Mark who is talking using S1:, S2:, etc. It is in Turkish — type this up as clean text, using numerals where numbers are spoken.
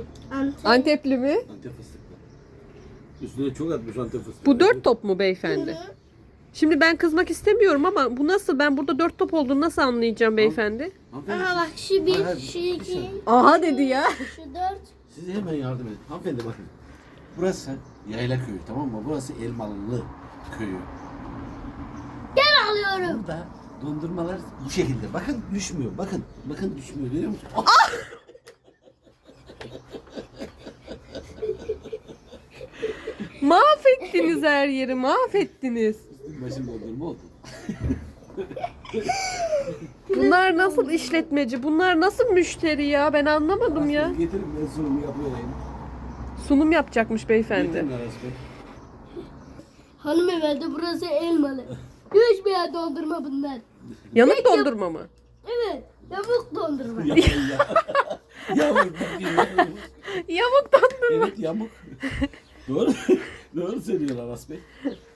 S1: Antepli mi?
S2: Antep fıstıklı. Üstüne çok atmış Antep fıstığı.
S1: Bu 4 top mu beyefendi? Şimdi ben kızmak istemiyorum ama bu nasıl? Ben burada 4 top olduğunu nasıl anlayacağım beyefendi?
S2: Hanımefendi,
S3: Aha bak şu bir,
S2: Hayır,
S3: şu
S2: bir
S3: iki,
S2: saniye.
S1: Aha dedi ya.
S3: şu dört.
S2: size hemen yardım edin. Hanımefendi bakın. Burası Yayla Köyü, tamam mı? Burası Elmalılı Köyü.
S3: Ben alıyorum.
S2: Burada dondurmalar bu şekilde. Bakın düşmüyor. Bakın. Bakın düşmüyor. Görüyor musun?
S1: Mahvettiniz her yeri, mahvettiniz.
S2: Başım dondurma oldu.
S1: Bunlar nasıl işletmeci? Bunlar nasıl müşteri ya? Ben anlamadım ya.
S2: Getirin ben sunumu yapıyorum.
S1: Sunum yapacakmış beyefendi.
S2: Getirin Aras Bey.
S3: Hanımefendi burası elmalı. Düşmeyen dondurma bunlar.
S1: Yanık dondurma mı?
S3: Evet. Yamuk dondurma.
S2: Yamuk ya. Yamuk.
S1: Yamuk dondurma.
S2: Evet yamuk. Doğru. Doğru söylüyor Aras Bey.